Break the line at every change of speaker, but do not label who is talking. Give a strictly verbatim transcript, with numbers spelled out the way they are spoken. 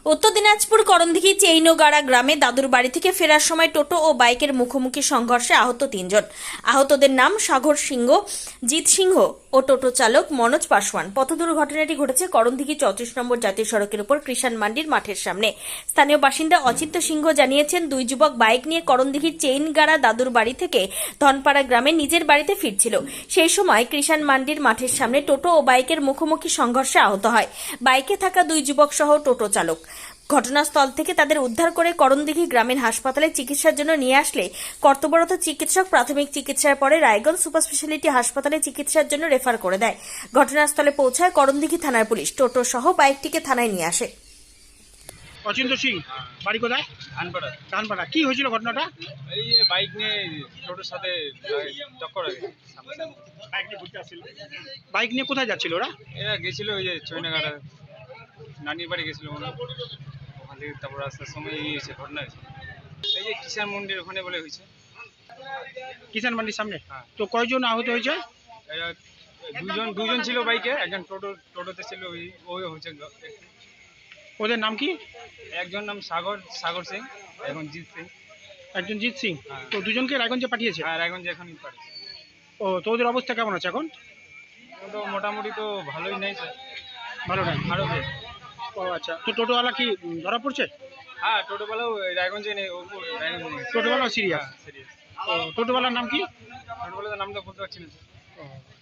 উত্তর দিনাজপুর করণদিঘি চেইনোগাড়া গ্রামে দাদুর বাড়ি থেকে ফেরার সময় টোটো ও বাইকের মুখোমুখি সংঘর্ষে আহত তিনজন। আহতদের নাম সাগর সিংহ, জিৎ সিংহ ও টোটো চালক মনোজ পাসওয়ান। পথ দুর্ঘটনাটি ঘটেছে করণদিঘি চৌত্রিশ নম্বর জাতীয় সড়কের উপর কৃষাণ মান্ডির মাঠের সামনে। স্থানীয় বাসিন্দা অচিত্য সিংহ জানিয়েছেন, দুই যুবক বাইক নিয়ে করণদিঘির চেইনগাড়া দাদুর বাড়ি থেকে ধনপাড়া গ্রামে নিজের বাড়িতে ফিরছিল। সেই সময় কৃষাণ মান্ডির মাঠের সামনে টোটো ও বাইকের মুখোমুখি সংঘর্ষে আহত হয় বাইকে থাকা দুই যুবক সহ টোটো চালক। ঘটনাস্থল থেকে তাদের উদ্ধার করে করণদিঘি গ্রামীণ হাসপাতালে চিকিৎসার জন্য নিয়ে আসলে কর্তব্যরত চিকিৎসক প্রাথমিক চিকিৎসার পরে রায়গঞ্জ সুপার স্পেশালিটি হাসপাতালে চিকিৎসার জন্য রেফার করে দেয়। ঘটনাস্থলে পৌঁছায় করণদিঘি থানার পুলিশ। টোটো সহ বাইকটিকে থানায় নিয়ে আসে।
অচিন্ত সিং, বাড়ি কোথায়?
ধানপাড়া।
ধানপাড়া। কি হয়েছিল ঘটনাটা?
এই যে বাইক নিয়ে টোটোর সাথে টক্কর হয়ে গেছে।
বাইক নিয়ে ঘুরতে আসছিল। বাইক নিয়ে কোথায় যাচ্ছিল ওরা?
এরা গেছিল ওই যে চৈনাঘাটা নানির বাড়ি গেছিল মনে হয়। ওখান থেকে তারপর রাস্তার সময় এই হয়েছে, ঘটনা হয়েছে। এই যে কিষাণ মন্দির ওখানে বলে হয়েছে।
কিষাণ মান্ডির সামনে।
হ্যাঁ।
তো কয়জন আহত হয়েছে?
এরা দুজন দুজন ছিল বাইকে, একজন টোটো টোটোতে ছিল, ওই ওই হচ্ছে।
ওদের নাম কি?
একজন নাম সাগর সাগর সিং, এখন জিৎ সিং।
একজন জিৎ সিং।
হ্যাঁ।
তো দুজনকে রায়গঞ্জে পাঠিয়েছে।
আর এখন যে এখন পারে
ও, তো ওদের অবস্থা কেমন আছে এখন?
তো মোটামুটি তো ভালোই নেই স্যার,
ভালো না।
আরও বেশ।
ও আচ্ছা, তো টোটোওয়ালা কি উম, ধরা পড়ছে?
হ্যাঁ, টোটোবেলাও রায়গঞ্জে নেই, ও রায়গঞ্জে নেই।
টোটোওয়ালা সিরিয়াস।
সিরিয়াস।
ও, টোটোওয়ালার নাম কি?
টোটোবেলার নামটা বলতে পারছি না স্যার।
ও।